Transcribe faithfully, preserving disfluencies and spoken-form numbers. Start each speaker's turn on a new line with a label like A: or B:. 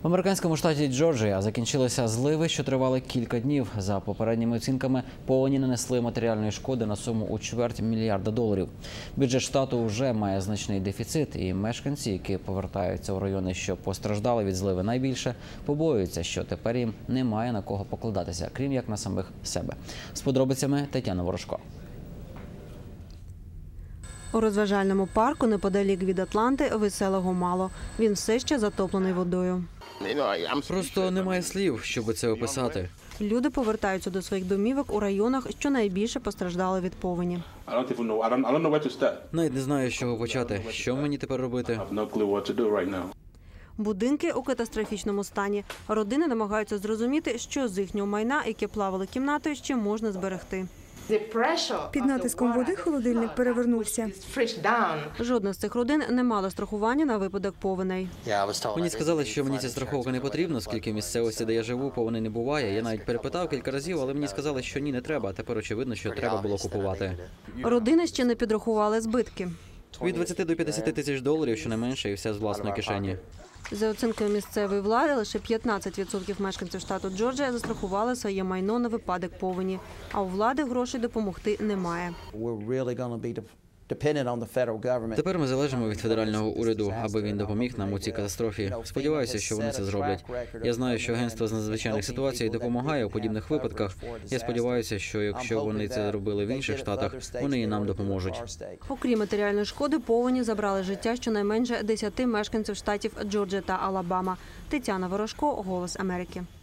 A: В американському штаті Джорджія закінчилися зливи, що тривали кілька днів. За попередніми оцінками, повені нанесли матеріальної шкоди на суму у чверть мільярда доларів. Бюджет штату вже має значний дефіцит, і мешканці, які повертаються у райони, що постраждали від зливи найбільше, побоюються, що тепер їм немає на кого покладатися, крім як на самих себе. З подробицями Тетяна Ворожко.
B: У розважальному парку неподалік від Атланти веселого мало. Він все ще затоплений водою.
C: Просто немає слів, щоб це описати.
B: Люди повертаються до своїх домівок у районах, що найбільше постраждали від повені.
C: Навіть не знаю, з чого почати. Що мені тепер робити?
B: Будинки у катастрофічному стані. Родини намагаються зрозуміти, що з їхнього майна, яке плавали кімнатою, ще можна зберегти.
D: Під натиском води холодильник перевернувся.
B: Жодна з цих родин не мала страхування на випадок повеней.
C: Мені сказали, що мені ця страховка не потрібна, оскільки в місцевості, де я живу, повені не буває. Я навіть перепитав кілька разів, але мені сказали, що ні, не треба. Тепер очевидно, що треба було купувати.
B: Родини ще не підрахували збитки.
C: Від двадцяти до п'ятдесяти тисяч доларів, щонайменше, і все з власної кишені.
B: За оцінкою місцевої влади, лише п'ятнадцять відсотків мешканців штату Джорджія застрахували своє майно на випадок повені. А у влади грошей допомогти немає.
C: Тепер ми залежимо від федерального уряду, аби він допоміг нам у цій катастрофі. Сподіваюся, що вони це зроблять. Я знаю, що агентство з надзвичайних ситуацій допомагає у подібних випадках. Я сподіваюся, що якщо вони це робили в інших штатах, вони і нам допоможуть.
B: Окрім матеріальної шкоди, повені забрали життя щонайменше десяти мешканців штатів Джорджія та Алабама. Тетяна Ворожко, «Голос Америки».